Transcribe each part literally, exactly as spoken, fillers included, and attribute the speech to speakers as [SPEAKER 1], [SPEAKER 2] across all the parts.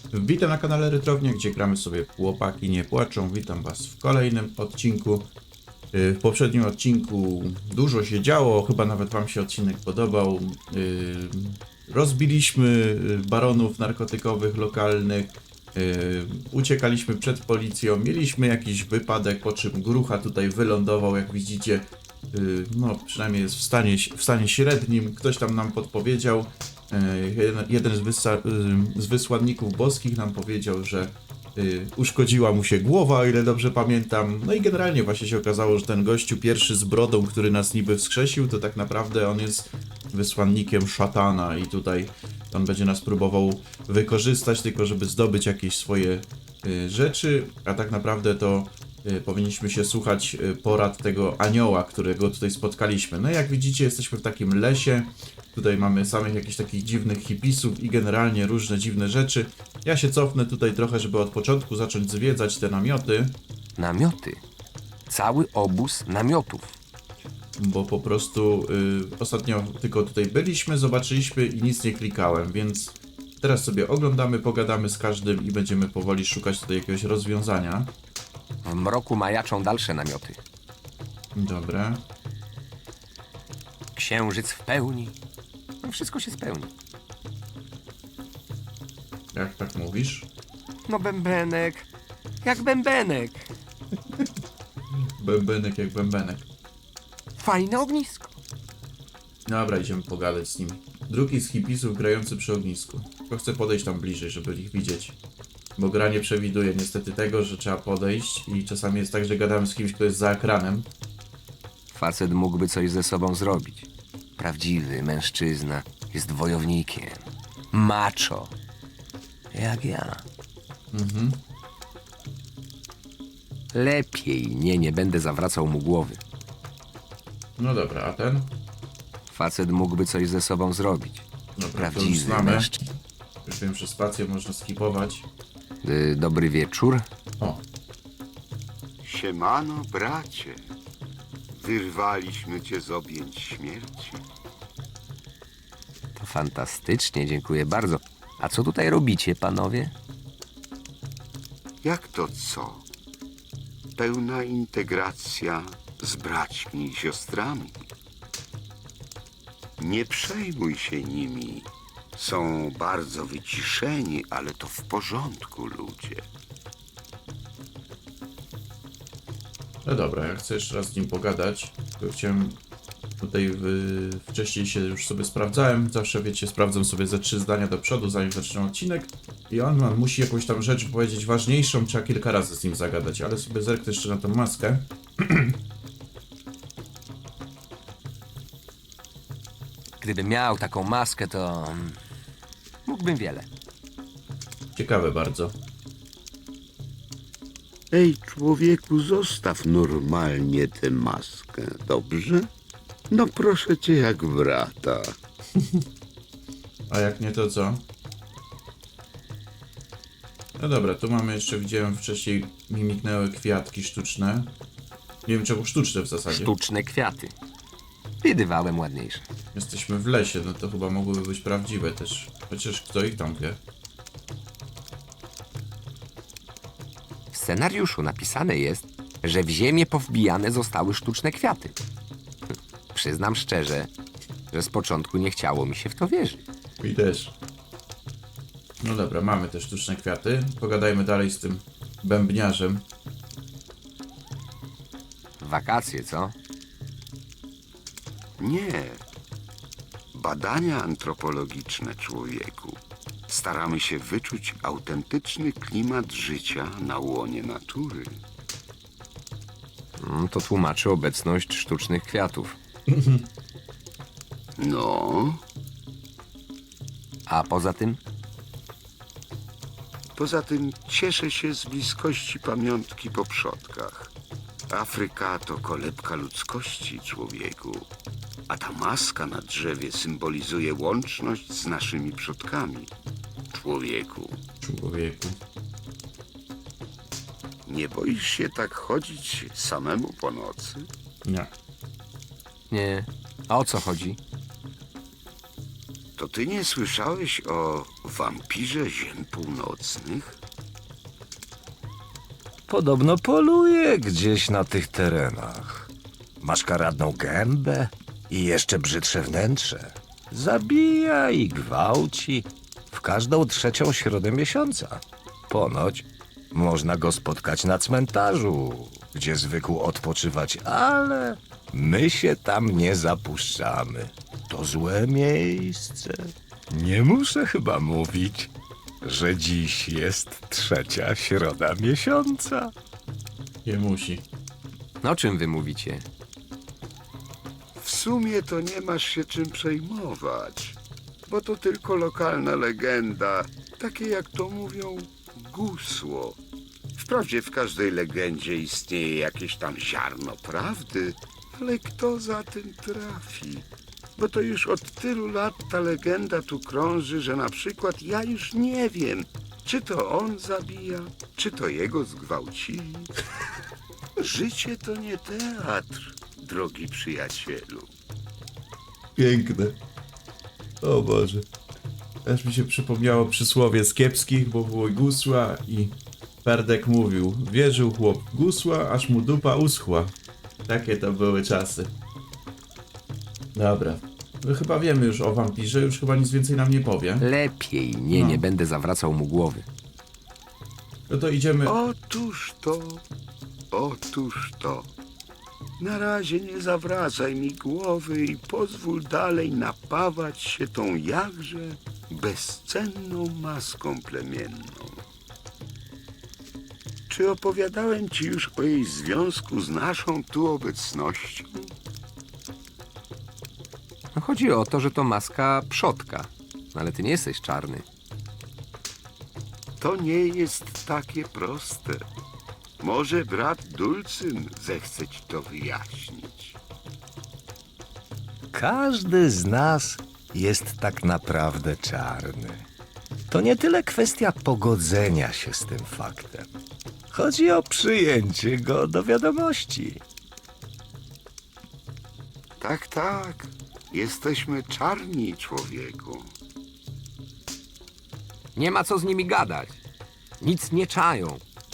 [SPEAKER 1] Witam na kanale Retrownia, gdzie gramy sobie Chłopaki Nie Płaczą. Witam was w kolejnym odcinku. W poprzednim odcinku dużo się działo, chyba nawet wam się odcinek podobał. Rozbiliśmy baronów narkotykowych lokalnych, uciekaliśmy przed policją, mieliśmy jakiś wypadek, po czym Grucha tutaj wylądował, jak widzicie. No, przynajmniej jest w stanie, w stanie średnim, ktoś tam nam podpowiedział. Jeden, jeden z, wysa, z wysłanników boskich nam powiedział, że y, uszkodziła mu się głowa, o ile dobrze pamiętam. No i generalnie właśnie się okazało, że ten gościu pierwszy z brodą, który nas niby wskrzesił, to tak naprawdę on jest wysłannikiem szatana i tutaj on będzie nas próbował wykorzystać, tylko żeby zdobyć jakieś swoje y, rzeczy, a tak naprawdę to y, powinniśmy się słuchać y, porad tego anioła, którego tutaj spotkaliśmy. No i jak widzicie, jesteśmy w takim lesie. Tutaj mamy samych jakichś takich dziwnych hipisów i generalnie różne dziwne rzeczy. Ja się cofnę tutaj trochę, żeby od początku zacząć zwiedzać te namioty,
[SPEAKER 2] Namioty. Cały obóz namiotów.
[SPEAKER 1] bo po prostu y, ostatnio tylko tutaj byliśmy, zobaczyliśmy i nic nie klikałem, więc teraz sobie oglądamy, pogadamy z każdym i będziemy powoli szukać tutaj jakiegoś rozwiązania.
[SPEAKER 2] W mroku majaczą dalsze namioty.
[SPEAKER 1] Dobra.
[SPEAKER 2] Księżyc w pełni. No wszystko się spełni.
[SPEAKER 1] Jak tak mówisz?
[SPEAKER 2] No bębenek. Jak bębenek.
[SPEAKER 1] Bębenek jak bębenek.
[SPEAKER 2] Fajne ognisko.
[SPEAKER 1] Dobra, idziemy pogadać z nimi. Drugi z hipisów grający przy ognisku. Tylko chcę podejść tam bliżej, żeby ich widzieć. Bo gra nie przewiduje niestety tego, że trzeba podejść i czasami jest tak, że gadamy z kimś, kto jest za ekranem.
[SPEAKER 2] Facet mógłby coś ze sobą zrobić. Prawdziwy mężczyzna jest wojownikiem. Macho. Jak ja.
[SPEAKER 1] Mhm.
[SPEAKER 2] Lepiej nie, nie będę zawracał mu głowy.
[SPEAKER 1] No dobra, a ten?
[SPEAKER 2] Facet mógłby coś ze sobą zrobić.
[SPEAKER 1] Dobra, to już
[SPEAKER 2] Prawdziwy
[SPEAKER 1] znamy.
[SPEAKER 2] mężczyzna.
[SPEAKER 1] Już wiem, że spację można skipować.
[SPEAKER 2] Y, dobry wieczór.
[SPEAKER 1] O,
[SPEAKER 3] Siemano, bracie. Wyrwaliśmy cię z objęć śmierci.
[SPEAKER 2] To fantastycznie, dziękuję bardzo. A co tutaj robicie, panowie?
[SPEAKER 3] Jak to co? Pełna integracja z braćmi i siostrami. Nie przejmuj się nimi. Są bardzo wyciszeni, ale to w porządku, ludzie.
[SPEAKER 1] no dobra, ja chcę jeszcze raz z nim pogadać. Tylko chciałem tutaj w... wcześniej się już sobie sprawdzałem. Zawsze, wiecie, sprawdzam sobie ze trzy zdania do przodu, zanim zacznę odcinek. I on, on musi jakąś tam rzecz powiedzieć ważniejszą, trzeba kilka razy z nim zagadać, ale sobie zerknę jeszcze na tą maskę.
[SPEAKER 2] Gdybym miał taką maskę, to mm, mógłbym wiele.
[SPEAKER 1] Ciekawe bardzo.
[SPEAKER 3] Ej, człowieku, zostaw normalnie tę maskę, dobrze? No proszę cię jak brata.
[SPEAKER 1] A jak nie, to co? No dobra, tu mamy jeszcze, widziałem wcześniej, mi mignęły kwiatki sztuczne. Nie wiem czemu sztuczne w zasadzie.
[SPEAKER 2] Sztuczne kwiaty. Widywałem ładniejsze.
[SPEAKER 1] Jesteśmy w lesie, no to chyba mogłyby być prawdziwe też. Chociaż kto ich tam wie?
[SPEAKER 2] W scenariuszu napisane jest, że w ziemię powbijane zostały sztuczne kwiaty. Hm, Przyznam szczerze, że z początku nie chciało mi się w to wierzyć.
[SPEAKER 1] I też. No dobra, mamy te sztuczne kwiaty. Pogadajmy dalej z tym bębniarzem.
[SPEAKER 2] Wakacje, co?
[SPEAKER 3] Nie. Badania antropologiczne, człowieku. Staramy się wyczuć autentyczny klimat życia na łonie natury.
[SPEAKER 2] Mm, To tłumaczy obecność sztucznych kwiatów.
[SPEAKER 3] No,
[SPEAKER 2] A poza tym,
[SPEAKER 3] poza tym cieszę się z bliskości pamiątki po przodkach. Afryka to kolebka ludzkości, człowieku. A ta maska na drzewie symbolizuje łączność z naszymi przodkami. Człowieku,
[SPEAKER 1] Człowieku.
[SPEAKER 3] nie boisz się tak chodzić samemu po nocy?
[SPEAKER 1] Nie.
[SPEAKER 2] nie. A o co chodzi?
[SPEAKER 3] To ty nie słyszałeś o wampirze ziem północnych?
[SPEAKER 4] Podobno poluje gdzieś na tych terenach. Ma szkaradną gębę i jeszcze brzydsze wnętrze. Zabija i gwałci w każdą trzecią środę miesiąca. Ponoć można go spotkać na cmentarzu, gdzie zwykł odpoczywać, ale my się tam nie zapuszczamy. To złe miejsce. Nie muszę chyba mówić, że dziś jest trzecia środa miesiąca.
[SPEAKER 1] Nie musi.
[SPEAKER 2] No, o czym wy mówicie?
[SPEAKER 3] W sumie to nie masz się czym przejmować, bo to tylko lokalna legenda, takie jak to mówią gusło. Wprawdzie w każdej legendzie istnieje jakieś tam ziarno prawdy, ale kto za tym trafi? Bo to już od tylu lat ta legenda tu krąży, że na przykład ja już nie wiem, czy to on zabija, czy to jego zgwałcili. Życie to nie teatr, drogi przyjacielu.
[SPEAKER 1] Piękne. O Boże. Też mi się przypomniało przysłowie z kiepskich, bo było gusła i Ferdek mówił: wierzył chłop w gusła, aż mu dupa uschła. Takie to były czasy. Dobra. My chyba wiemy już o wampirze, już chyba nic więcej nam nie powie.
[SPEAKER 2] Lepiej. Nie,
[SPEAKER 1] No.
[SPEAKER 2] nie będę zawracał mu głowy.
[SPEAKER 1] No to idziemy...
[SPEAKER 3] Otóż to, otóż to. Na razie nie zawracaj mi głowy i pozwól dalej napawać się tą jakże bezcenną maską plemienną. Czy opowiadałem ci już o jej związku z naszą tu obecnością?
[SPEAKER 2] No, chodzi o to, że to maska przodka. No, ale ty nie jesteś czarny.
[SPEAKER 3] To nie jest takie proste. Może brat Dulcyn zechce ci to wyjaśnić.
[SPEAKER 4] Każdy z nas jest tak naprawdę czarny. To nie tyle kwestia pogodzenia się z tym faktem. Chodzi o przyjęcie go do wiadomości.
[SPEAKER 3] Tak, tak. Jesteśmy czarni, człowieku.
[SPEAKER 2] Nie ma co z nimi gadać. Nic nie czają.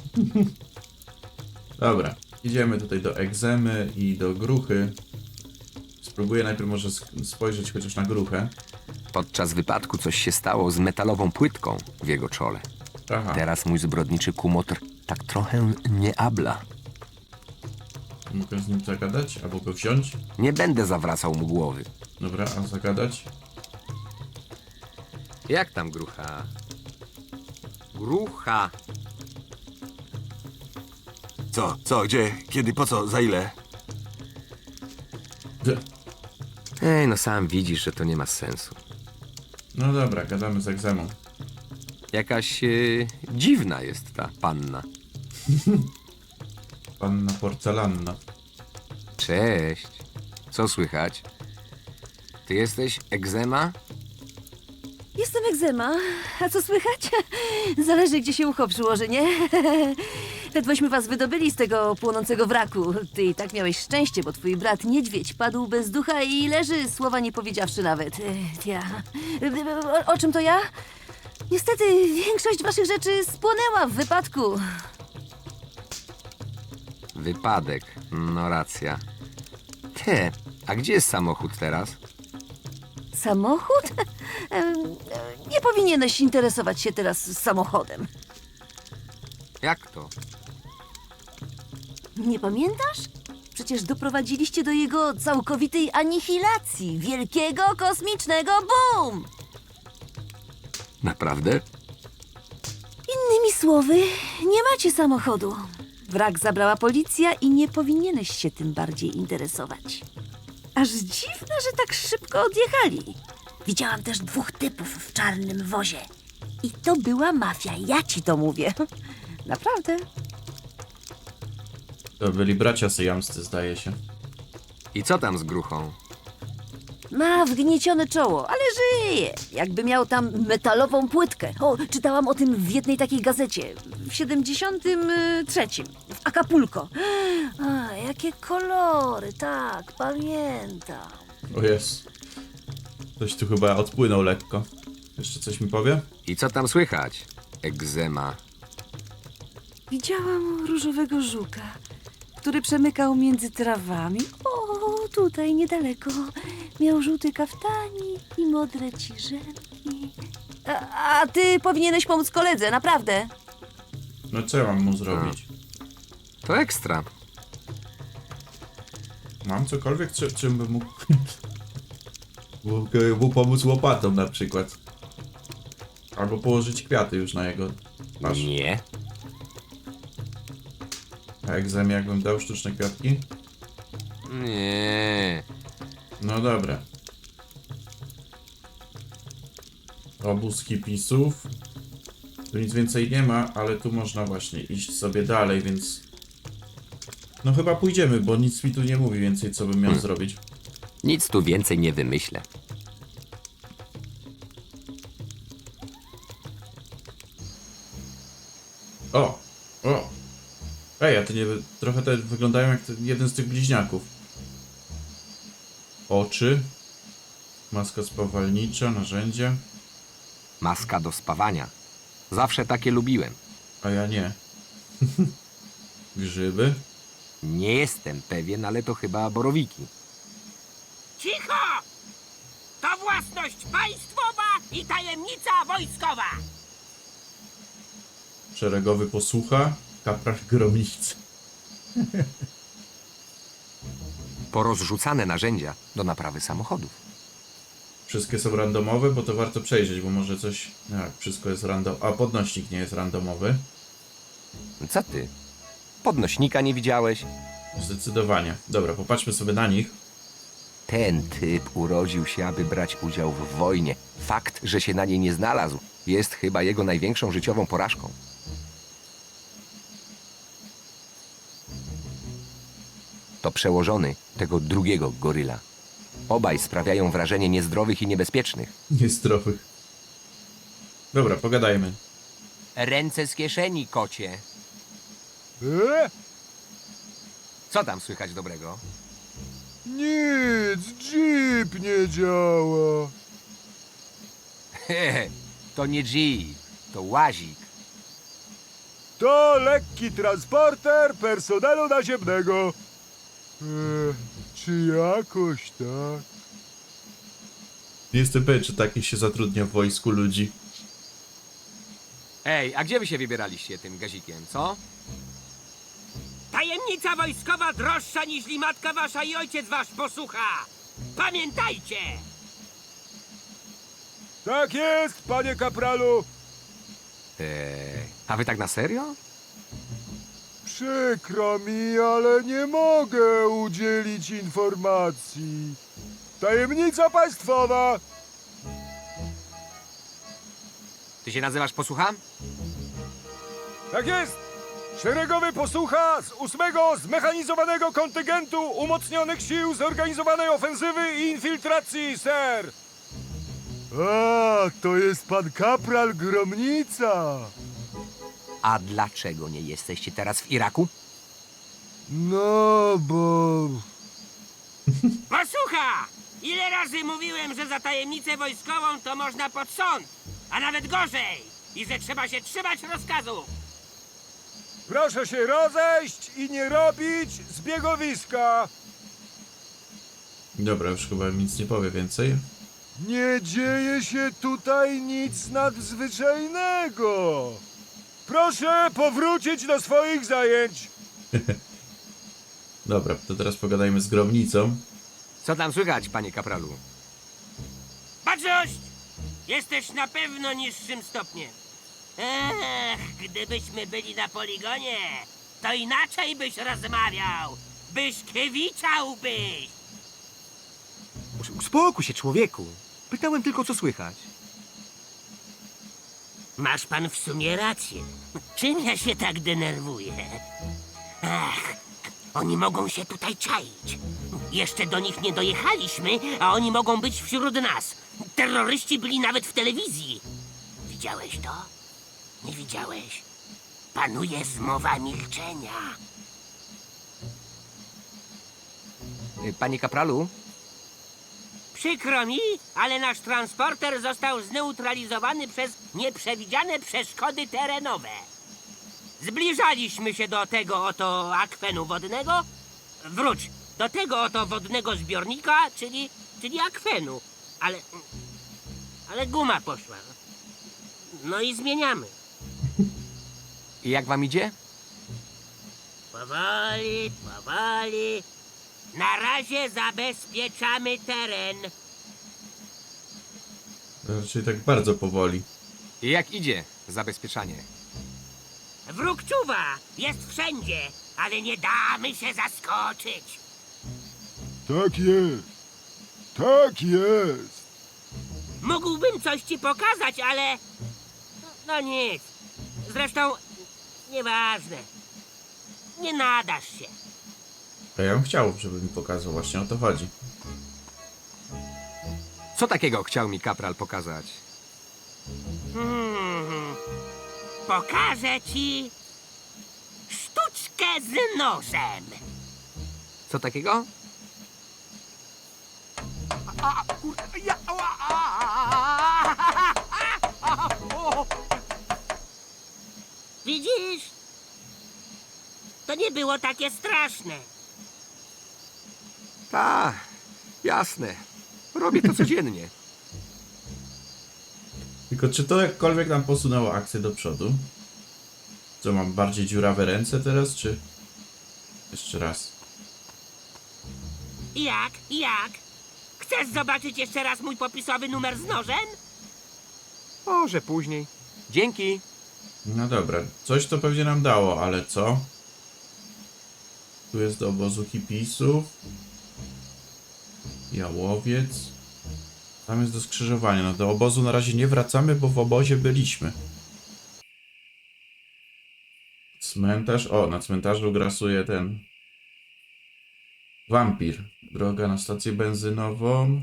[SPEAKER 1] Dobra. Idziemy tutaj do egzemy i do gruchy. Spróbuję najpierw może sk- spojrzeć chociaż na gruchę.
[SPEAKER 2] Podczas wypadku coś się stało z metalową płytką w jego czole.
[SPEAKER 1] Aha.
[SPEAKER 2] Teraz mój zbrodniczy kumotr tak trochę nie abla.
[SPEAKER 1] Mogę z nim zagadać? Albo go wziąć?
[SPEAKER 2] Nie będę zawracał mu głowy.
[SPEAKER 1] Dobra, a zagadać?
[SPEAKER 2] Jak tam, grucha? Grucha!
[SPEAKER 5] Co, co, gdzie, kiedy, po co, za ile?
[SPEAKER 1] D-
[SPEAKER 2] Ej, no sam widzisz, że to nie ma sensu.
[SPEAKER 1] No dobra, gadamy z egzemą.
[SPEAKER 2] Jakaś e, dziwna jest ta panna.
[SPEAKER 1] Panna porcelanna.
[SPEAKER 2] Cześć. Co słychać? Ty jesteś egzema?
[SPEAKER 6] Jestem egzema. A co słychać? Zależy, gdzie się ucho przyłoży, nie? Ledwośmy was wydobyli z tego płonącego wraku. Ty i tak miałeś szczęście, bo twój brat niedźwiedź padł bez ducha i leży, słowa nie powiedziawszy nawet. Ech, Ja... O, o czym to ja? Niestety, większość waszych rzeczy spłonęła w wypadku.
[SPEAKER 2] Wypadek. No racja. Te, a gdzie jest samochód teraz?
[SPEAKER 6] Samochód? Em, Nie powinieneś interesować się teraz samochodem.
[SPEAKER 2] Jak to?
[SPEAKER 6] Nie pamiętasz? Przecież doprowadziliście do jego całkowitej anihilacji, wielkiego kosmicznego boom!
[SPEAKER 2] Naprawdę?
[SPEAKER 6] Innymi słowy, nie macie samochodu. Wrak zabrała policja i nie powinieneś się tym bardziej interesować. Aż dziwne, że tak szybko odjechali. Widziałam też dwóch typów w czarnym wozie. I to była mafia, ja ci to mówię. Naprawdę.
[SPEAKER 1] To byli bracia syjamscy, zdaje się.
[SPEAKER 2] I co tam z gruchą?
[SPEAKER 6] Ma wgniecione czoło, ale żyje. Jakby miał tam metalową płytkę. O, czytałam o tym w jednej takiej gazecie. W siedemdziesiątym trzecim. W Acapulco. A, jakie kolory, tak, pamiętam.
[SPEAKER 1] O jest. Ktoś tu chyba odpłynął lekko. Jeszcze coś mi powie?
[SPEAKER 2] I co tam słychać? Egzema.
[SPEAKER 6] Widziałam różowego żuka, który przemykał między trawami. O, tutaj niedaleko. Miał żółty kaftanik i modre ciżemki. A, a ty powinieneś pomóc koledze, naprawdę.
[SPEAKER 1] No co ja mam mu zrobić?
[SPEAKER 2] To ekstra.
[SPEAKER 1] Mam cokolwiek, czy, czym bym mógł... mógł mu pomóc łopatą na przykład. Albo położyć kwiaty już na jego twarz.
[SPEAKER 2] Nie.
[SPEAKER 1] A egzemie jakbym dał sztuczne kwiatki?
[SPEAKER 2] Nie.
[SPEAKER 1] No dobra. Obóz hipisów. Tu nic więcej nie ma, ale tu można właśnie iść sobie dalej, więc... No chyba pójdziemy, bo nic mi tu nie mówi więcej, co bym miał
[SPEAKER 2] Hmm.
[SPEAKER 1] zrobić.
[SPEAKER 2] Nic tu więcej nie wymyślę.
[SPEAKER 1] O! O! Ej, a to nie... Trochę te wyglądają jak ten, jeden z tych bliźniaków. Oczy. Maska spawalnicza, narzędzia.
[SPEAKER 2] Maska do spawania. Zawsze takie lubiłem.
[SPEAKER 1] A ja nie. Grzyby.
[SPEAKER 2] Nie jestem pewien, ale to chyba borowiki.
[SPEAKER 7] Cicho! To własność państwowa i tajemnica wojskowa!
[SPEAKER 1] Szeregowy posłucha. Kapral gromnicy.
[SPEAKER 2] Porozrzucane narzędzia do naprawy samochodów.
[SPEAKER 1] Wszystkie są randomowe, bo to warto przejrzeć, bo może coś... Jak, wszystko jest random... A, podnośnik nie jest randomowy.
[SPEAKER 2] Co ty? Podnośnika nie widziałeś?
[SPEAKER 1] Zdecydowanie. Dobra, popatrzmy sobie na nich.
[SPEAKER 2] Ten typ urodził się, aby brać udział w wojnie. Fakt, że się na niej nie znalazł, jest chyba jego największą życiową porażką. To przełożony tego drugiego goryla. Obaj sprawiają wrażenie niezdrowych i niebezpiecznych.
[SPEAKER 1] Niezdrowych. Dobra, pogadajmy.
[SPEAKER 2] Ręce z kieszeni, kocie.
[SPEAKER 8] E?
[SPEAKER 2] Co tam słychać dobrego?
[SPEAKER 8] Nic, jeep nie działa.
[SPEAKER 2] Hehe, to nie Jeep, to łazik.
[SPEAKER 8] To lekki transporter personelu naziemnego. E, czy jakoś tak?
[SPEAKER 1] Nie jestem pewien, czy takich się zatrudnia w wojsku ludzi.
[SPEAKER 2] Ej, a gdzie wy się wybieraliście tym gazikiem, co?
[SPEAKER 7] Tajemnica wojskowa droższa niż matka wasza i ojciec wasz posłucha! Pamiętajcie!
[SPEAKER 8] Tak jest, panie kapralu.
[SPEAKER 2] Ej, a wy tak na serio?
[SPEAKER 8] Przykro mi, ale nie mogę udzielić informacji. Tajemnica państwowa.
[SPEAKER 2] Ty się nazywasz posłucham?
[SPEAKER 8] Tak jest! Szeregowy posłucha z ósmego Zmechanizowanego Kontyngentu Umocnionych Sił Zorganizowanej Ofensywy i Infiltracji, ser! A, to jest pan kapral Gromnica.
[SPEAKER 2] A dlaczego nie jesteście teraz w Iraku?
[SPEAKER 8] No, bo...
[SPEAKER 7] Posłucha! Ile razy mówiłem, że za tajemnicę wojskową to można pod sąd, a nawet gorzej! I że trzeba się trzymać rozkazów!
[SPEAKER 8] Proszę się rozejść i nie robić zbiegowiska.
[SPEAKER 1] Dobra, już chyba nic nie powie więcej.
[SPEAKER 8] Nie dzieje się tutaj nic nadzwyczajnego. Proszę powrócić do swoich zajęć.
[SPEAKER 1] Dobra, to teraz pogadajmy z gromnicą.
[SPEAKER 2] Co tam słychać, panie kapralu?
[SPEAKER 7] Baczność! Jesteś na pewno niższym stopniem. Ech, gdybyśmy byli na poligonie, to inaczej byś rozmawiał. Byś kiewiczałbyś.
[SPEAKER 9] Uspokój się, człowieku. Pytałem tylko, co słychać.
[SPEAKER 7] Masz pan w sumie rację. Czym ja się tak denerwuję? Ach, oni mogą się tutaj czaić. Jeszcze do nich nie dojechaliśmy, a oni mogą być wśród nas. Terroryści byli nawet w telewizji. Widziałeś to? Nie widziałeś? Panuje zmowa milczenia.
[SPEAKER 2] Y, Panie kapralu,
[SPEAKER 7] Przykro mi, ale nasz transporter został zneutralizowany przez nieprzewidziane przeszkody terenowe. Zbliżaliśmy się do tego oto akwenu wodnego. Wróć, do tego oto wodnego zbiornika, czyli, czyli akwenu. Ale, ale guma poszła. No i zmieniamy.
[SPEAKER 2] I jak wam idzie?
[SPEAKER 7] Powoli, powoli. Na razie zabezpieczamy teren.
[SPEAKER 1] Raczej tak bardzo powoli.
[SPEAKER 2] I jak idzie zabezpieczanie?
[SPEAKER 7] Wróg czuwa, jest wszędzie, ale nie damy się zaskoczyć.
[SPEAKER 8] Tak jest. Tak jest.
[SPEAKER 7] Mógłbym coś ci pokazać, ale... No nic. Zresztą, nieważne. Nie nadasz się.
[SPEAKER 1] A ja bym chciał, żeby mi pokazał, właśnie o to chodzi.
[SPEAKER 2] Co takiego chciał mi kapral pokazać?
[SPEAKER 7] Hmm. Pokażę ci sztuczkę z nożem.
[SPEAKER 2] Co takiego?
[SPEAKER 7] Widzisz? To nie było takie straszne.
[SPEAKER 2] Ta, jasne. Robię to codziennie.
[SPEAKER 1] Tylko czy to jakkolwiek nam posunęło akcję do przodu? Co, mam bardziej dziurawe ręce teraz, czy... Jeszcze raz.
[SPEAKER 7] Jak? Jak? Chcesz zobaczyć jeszcze raz mój popisowy numer z nożem?
[SPEAKER 2] Może później. Dzięki.
[SPEAKER 1] No dobra, coś to pewnie nam dało, ale co? Tu jest do obozu hipisów. Jałowiec. Tam jest do skrzyżowania. No do obozu na razie nie wracamy, bo w obozie byliśmy. Cmentarz. O, na cmentarzu grasuje ten... Wampir. Droga na stację benzynową.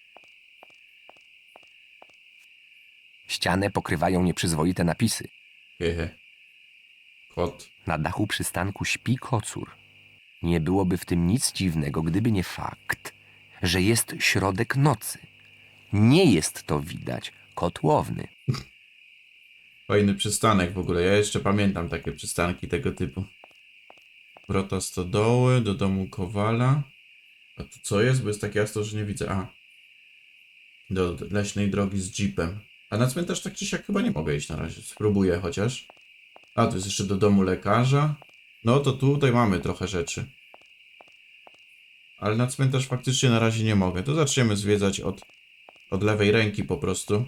[SPEAKER 2] Ścianę pokrywają nieprzyzwoite napisy.
[SPEAKER 1] Hehe. Kot.
[SPEAKER 2] Na dachu przystanku śpi kocur. Nie byłoby w tym nic dziwnego, gdyby nie fakt, że jest środek nocy. Nie jest to, widać, kotłowny.
[SPEAKER 1] Fajny przystanek w ogóle. Ja jeszcze pamiętam takie przystanki tego typu. Wrota stodoły, do domu Kowala. A tu co jest? Bo jest tak jasno, że nie widzę. A. Do leśnej drogi z jeepem. A na cmentarz tak czy siak chyba nie mogę iść na razie. Spróbuję chociaż. A, tu jest jeszcze do domu lekarza. No to tutaj mamy trochę rzeczy. Ale na cmentarz faktycznie na razie nie mogę. To zaczniemy zwiedzać od, od lewej ręki po prostu.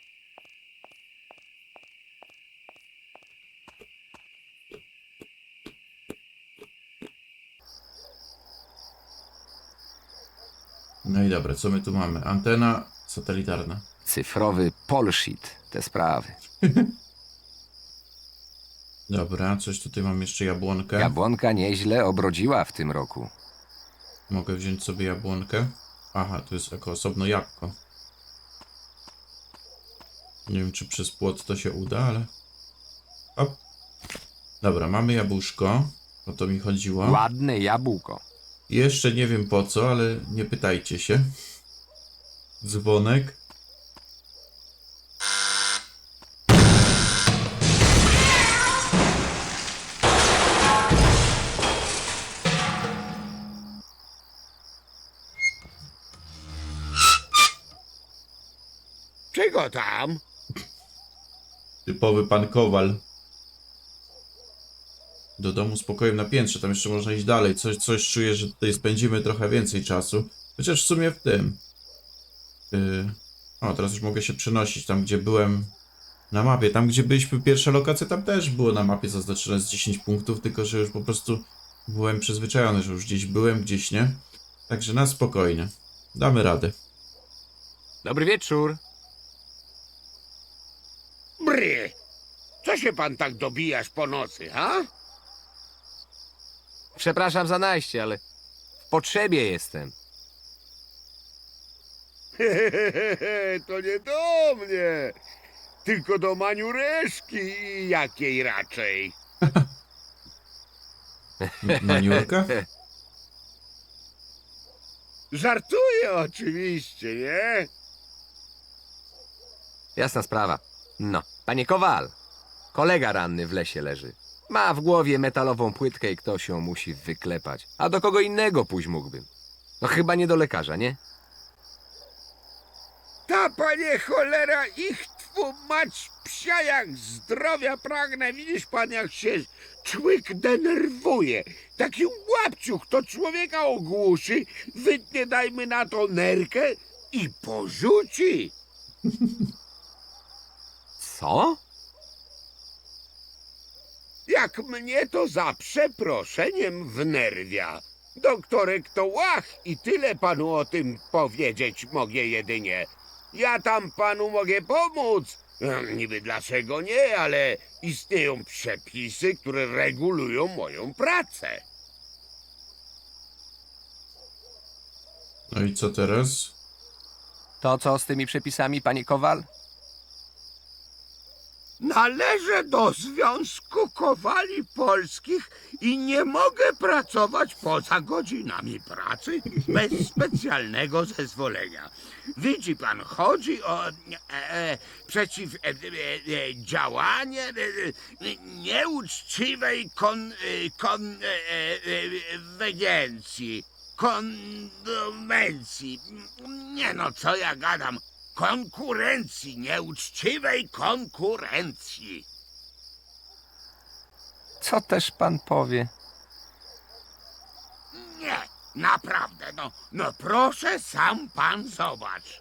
[SPEAKER 1] No i dobra, co my tu mamy? Antena satelitarna.
[SPEAKER 2] Cyfrowy polshit, te sprawy.
[SPEAKER 1] Dobra, coś tutaj mam jeszcze jabłonkę.
[SPEAKER 2] Jabłonka nieźle obrodziła w tym roku.
[SPEAKER 1] Mogę wziąć sobie jabłonkę. Aha, to jest jako osobno jabłko. Nie wiem, czy przez płot to się uda, ale... Hop. Dobra, mamy jabłuszko. O to mi chodziło.
[SPEAKER 2] Ładne jabłko.
[SPEAKER 1] Jeszcze nie wiem po co, ale nie pytajcie się. Dzwonek.
[SPEAKER 3] Czego tam?
[SPEAKER 1] Typowy pan Kowal. Do domu z pokojem na piętrze. Tam jeszcze można iść dalej. Coś, coś czuję, że tutaj spędzimy trochę więcej czasu. Chociaż w sumie w tym. Yy... O, teraz już mogę się przenosić tam, gdzie byłem na mapie. Tam, gdzie byliśmy pierwsza lokacja, tam też było na mapie zaznaczone z dziesięć punktów, tylko że już po prostu byłem przyzwyczajony, że już gdzieś byłem, gdzieś nie. Także na spokojnie. Damy radę.
[SPEAKER 2] Dobry wieczór.
[SPEAKER 3] Bry! Co się pan tak dobijasz po nocy, ha?
[SPEAKER 2] Przepraszam za najście, ale w potrzebie jestem.
[SPEAKER 3] To nie do mnie, tylko do maniureszki jakiej raczej.
[SPEAKER 1] M- Maniurka?
[SPEAKER 3] Żartuję oczywiście, nie?
[SPEAKER 2] Jasna sprawa. No, panie Kowal, kolega ranny w lesie leży. Ma w głowie metalową płytkę i ktoś ją musi wyklepać. A do kogo innego pójść mógłbym? No chyba nie do lekarza, nie?
[SPEAKER 3] Ta, panie cholera, ich twu mać psia jak zdrowia pragnę. Widzisz pan, jak się człyk denerwuje. Taki łapciuch to człowieka ogłuszy, wytnie dajmy na to nerkę i porzuci.
[SPEAKER 2] Co?
[SPEAKER 3] Jak mnie to za przeproszeniem wnerwia. Doktorek to łach i tyle panu o tym powiedzieć mogę jedynie. Ja tam panu mogę pomóc. E, Niby dlaczego nie, ale istnieją przepisy, które regulują moją pracę.
[SPEAKER 1] No i co teraz?
[SPEAKER 2] To co z tymi przepisami, panie Kowal?
[SPEAKER 3] Należę do Związku Kowali Polskich i nie mogę pracować poza godzinami pracy bez specjalnego zezwolenia. Widzi pan, chodzi o e, e, przeciwdziałanie e, e, nieuczciwej kon, e, kon, e, e, wegencji, kondomencji. Nie no, co ja gadam? Konkurencji, nieuczciwej konkurencji.
[SPEAKER 2] Co też pan powie?
[SPEAKER 3] Nie, naprawdę, no, no proszę, sam pan zobacz.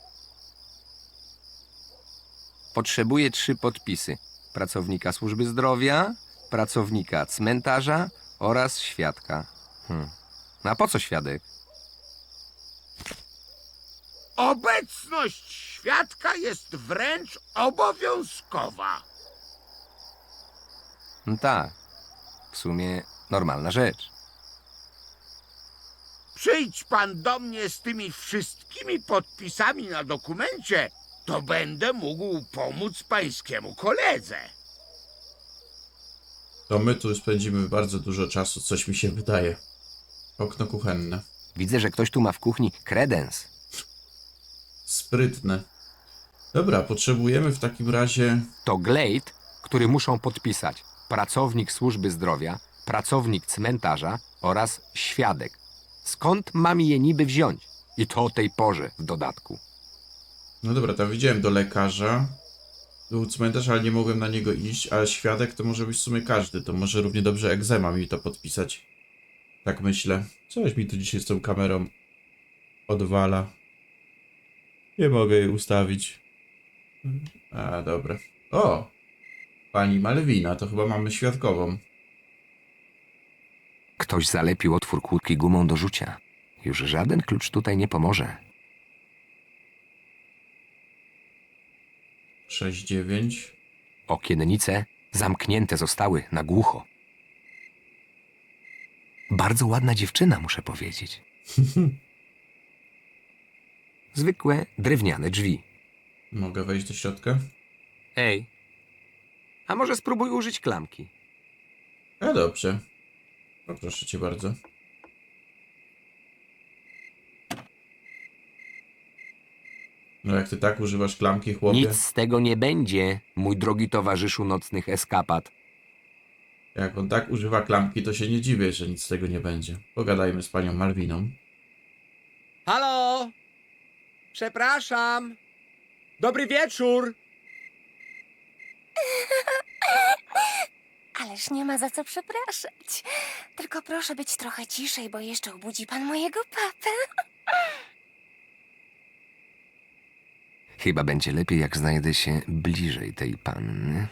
[SPEAKER 2] Potrzebuję trzy podpisy. Pracownika służby zdrowia, pracownika cmentarza oraz świadka. Hmm. A po co świadek?
[SPEAKER 3] Obecność świadka jest wręcz obowiązkowa.
[SPEAKER 2] No tak, w sumie normalna rzecz.
[SPEAKER 3] Przyjdź pan do mnie z tymi wszystkimi podpisami na dokumencie, to będę mógł pomóc pańskiemu koledze.
[SPEAKER 1] To my tu spędzimy bardzo dużo czasu, coś mi się wydaje. Okno kuchenne.
[SPEAKER 2] Widzę, że ktoś tu ma w kuchni kredens.
[SPEAKER 1] Sprytne. Dobra, potrzebujemy w takim razie...
[SPEAKER 2] To glejt, który muszą podpisać pracownik służby zdrowia, pracownik cmentarza oraz świadek. Skąd mam je niby wziąć? I to o tej porze w dodatku.
[SPEAKER 1] No dobra, tam widziałem do lekarza. Był cmentarz, ale nie mogłem na niego iść, a świadek to może być w sumie każdy. To może równie dobrze egzema mi to podpisać. Tak myślę. Coś mi tu dzisiaj z tą kamerą odwala. Nie mogę jej ustawić. A, dobra. O! Pani Malwina, to chyba mamy świadkową.
[SPEAKER 2] Ktoś zalepił otwór kłódki gumą do rzucia. Już żaden klucz tutaj nie pomoże.
[SPEAKER 1] sześć dziewięć.
[SPEAKER 2] Okiennice zamknięte zostały na głucho. Bardzo ładna dziewczyna, muszę powiedzieć. Zwykłe drewniane drzwi.
[SPEAKER 1] Mogę wejść do środka?
[SPEAKER 2] Ej, a może spróbuj użyć klamki?
[SPEAKER 1] A dobrze. No proszę cię bardzo. No jak ty tak używasz klamki, chłopie?
[SPEAKER 2] Nic z tego nie będzie, mój drogi towarzyszu nocnych eskapad.
[SPEAKER 1] Jak on tak używa klamki, to się nie dziwię, że nic z tego nie będzie. Pogadajmy z panią Malwiną.
[SPEAKER 9] Halo! Przepraszam! Dobry wieczór!
[SPEAKER 10] Ależ nie ma za co przepraszać. Tylko proszę być trochę ciszej, bo jeszcze obudzi pan mojego papę.
[SPEAKER 2] Chyba będzie lepiej, jak znajdę się bliżej tej panny.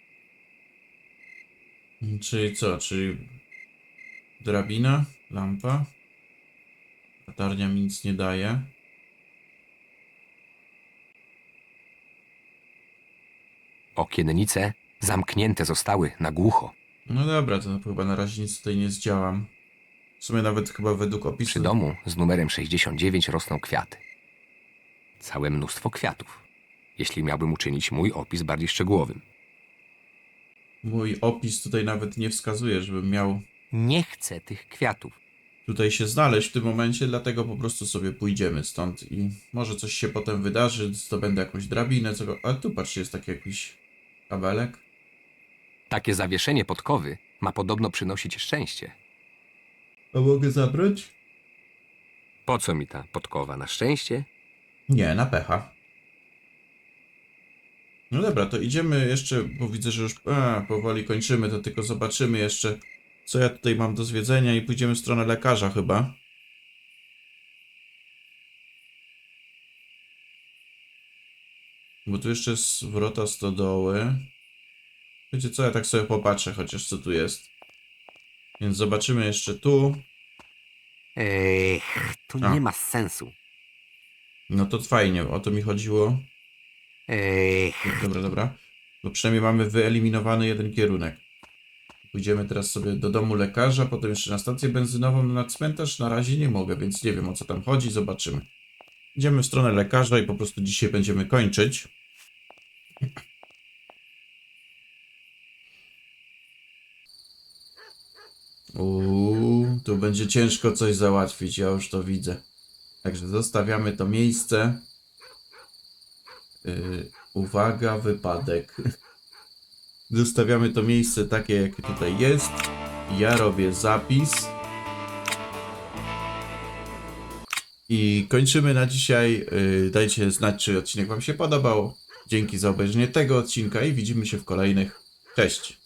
[SPEAKER 1] Czyli co? Czyli drabina, lampa. Latarnia mi nic nie daje.
[SPEAKER 2] Okiennice zamknięte zostały na głucho.
[SPEAKER 1] No dobra, to chyba na razie nic tutaj nie zdziałam. W sumie nawet chyba według opisu...
[SPEAKER 2] Przy domu z numerem sześćdziesiąt dziewięć rosną kwiaty. Całe mnóstwo kwiatów. Jeśli miałbym uczynić mój opis bardziej szczegółowym.
[SPEAKER 1] Mój opis tutaj nawet nie wskazuje, żebym miał...
[SPEAKER 2] Nie chcę tych kwiatów.
[SPEAKER 1] tutaj się znaleźć w tym momencie, dlatego po prostu sobie pójdziemy stąd i może coś się potem wydarzy, zdobędę jakąś drabinę, co... A tu patrzcie, jest taki jakiś kabelek.
[SPEAKER 2] Takie zawieszenie podkowy ma podobno przynosić szczęście.
[SPEAKER 1] A mogę zabrać?
[SPEAKER 2] Po co mi ta podkowa? Na szczęście?
[SPEAKER 1] Nie, na pecha. No dobra, to idziemy jeszcze, bo widzę, że już a, powoli kończymy, to tylko zobaczymy jeszcze, co ja tutaj mam do zwiedzenia i pójdziemy w stronę lekarza chyba. Bo tu jeszcze jest wrota stodoły. Wiecie co, ja tak sobie popatrzę chociaż co tu jest. Więc zobaczymy jeszcze tu.
[SPEAKER 2] Ech, to
[SPEAKER 1] A.
[SPEAKER 2] nie ma sensu.
[SPEAKER 1] No to fajnie, o to mi chodziło.
[SPEAKER 2] Ech.
[SPEAKER 1] Dobra, dobra. Bo przynajmniej mamy wyeliminowany jeden kierunek. Pójdziemy teraz sobie do domu lekarza, potem jeszcze na stację benzynową, no na cmentarz na razie nie mogę, więc nie wiem o co tam chodzi, zobaczymy. Idziemy w stronę lekarza i po prostu dzisiaj będziemy kończyć. Uuu, tu będzie ciężko coś załatwić, ja już to widzę. Także zostawiamy to miejsce. Yy, uwaga, wypadek. Zostawiamy to miejsce takie, jakie tutaj jest. Ja robię zapis. I kończymy na dzisiaj. Yy, dajcie znać, czy odcinek wam się podobał. Dzięki za obejrzenie tego odcinka i widzimy się w kolejnych. Cześć!